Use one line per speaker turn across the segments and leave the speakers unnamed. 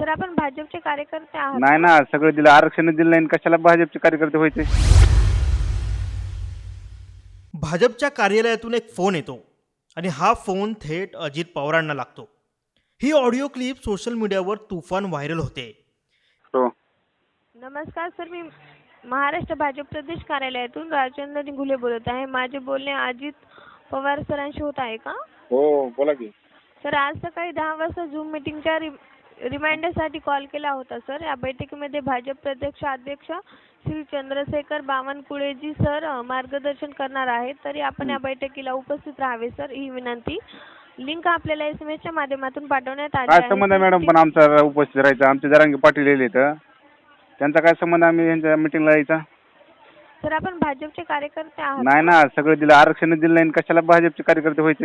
Sir आपण भाजपचे कार्यकर्ते आहात
नाही ना, सगळं दिलं, आरक्षण दिलं नाही, कशाला भाजपचे कार्यकर्ते व्हायचे?
भाजपच्या कार्यालयातून एक फोन येतो आणि हा फोन थेट अजित पवारांना लागतो. ही ऑडिओ क्लिप सोशल मीडियावर तुफान व्हायरल होते.
हो.
नमस्कार सर, मी महाराष्ट्र भाजप प्रदेश कार्यालयातून राजेंद्र निघुले बोलत आहे. माझे बोलणे अजित पवार सरांशी होत आहे का?
हो, बोला की.
सर, आज सकाळी 10 वाजता झूम मीटिंगच्या रिमाइंडरसाठी कॉल केला होता सर. या बैठकीमध्ये भाजप प्रदेश अध्यक्ष श्री चंद्रशेखर बावनकुळेजी सर मार्गदर्शन करणार आहेत. तरी आपण या बैठकीला उपस्थित राहावे सर, ही विनंती. लिंक आपल्याला SMS च्या माध्यमातून पाठवण्यात आली
काय
आहे.
संबंध आहे मॅडम पण आमचा उपस्थित राहायचा? आमचे जरांगे पाटील येले तर त्यांचा काय संबंध आम्ही यांच्या मिटिंगला यायचा?
सर, आपण भाजपचे कार्यकर्ते आहात.
नाही ना, सगळं दिलं, आरक्षण दिलं नाही, कशाला भाजपचे कार्यकर्ते व्हायचे?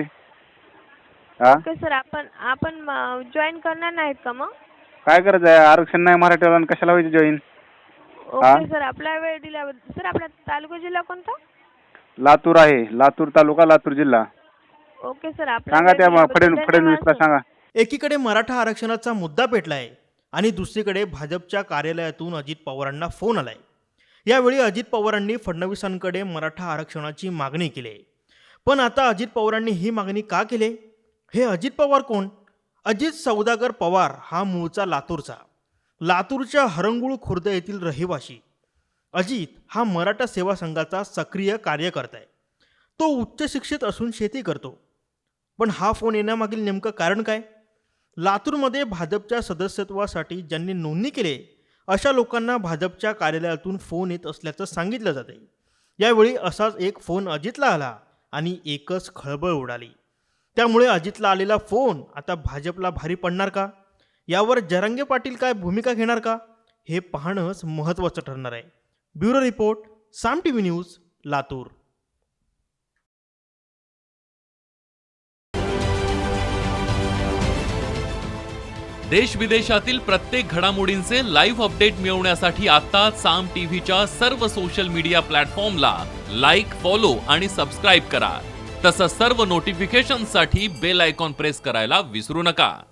हा,
ओके सर, आपण जॉईन करणार नाहीत का मग?
काय करायचं आहे? आरक्षण नाही मराठ्याला, कशाला व्हायचे जॉईन?
ओके सर, आपला वेळ दिल्याबद्दल. सर, आपला तालुका जिल्हा कोणता?
लातूर आहे, लातूर तालुका, लातूर जिल्हा.
ओके सर, आपला
सांगा
वेळ
त्या
दिल्याबद्दल
फडणवीसला
धन्यवाद सर.
सांगा.
एकीकडे मराठा आरक्षणाचा मुद्दा पेटलाय आणि दुसरीकडे भाजपच्या कार्यालयातून अजित पवारांना फोन आलाय. यावेळी अजित पवारांनी फडणवीसांकडे मराठा आरक्षणाची मागणी केली. पण आता अजित पवारांनी ही मागणी का केली? हे अजित पवार कोण? अजित सौदागर पवार हा मूळचा लातूरचा, लातूरच्या हरंगुळ खुर्द येथील रहिवाशी. अजित हा मराठा सेवा संघाचा सक्रिय कार्यकर्ता आहे. तो उच्च शिक्षित असून शेती करतो. पण हा फोन येण्यामागील नेमकं कारण काय? लातूरमध्ये भाजपच्या सदस्यत्वासाठी ज्यांनी नोंदणी केली अशा लोकांना भाजपच्या कार्यालयातून फोन येत असल्याचं सांगितलं जाते. यावेळी असाच एक फोन अजितला आला आणि एकच खळबळ उडाली. त्यामुळे अजितला आलेला फोन आता भाजपला भारी पडणार का? यावर जरांगे पाटील काय भूमिका घेणार का? हे पाहणंच महत्त्वाचं ठरणार आहे. Bureau report, Saam TV news, Latur.
देश विदेशातील प्रत्येक घडामोडींचे लाईव्ह अपडेट मिळवण्यासाठी आता साम टीव्हीच्या सर्व सोशल मीडिया प्लॅटफॉर्मला लाईक, फॉलो आणि सबस्क्राईब करा. तसंच सर्व नोटिफिकेशनसाठी बेल आयकॉन प्रेस करायला विसरू नका.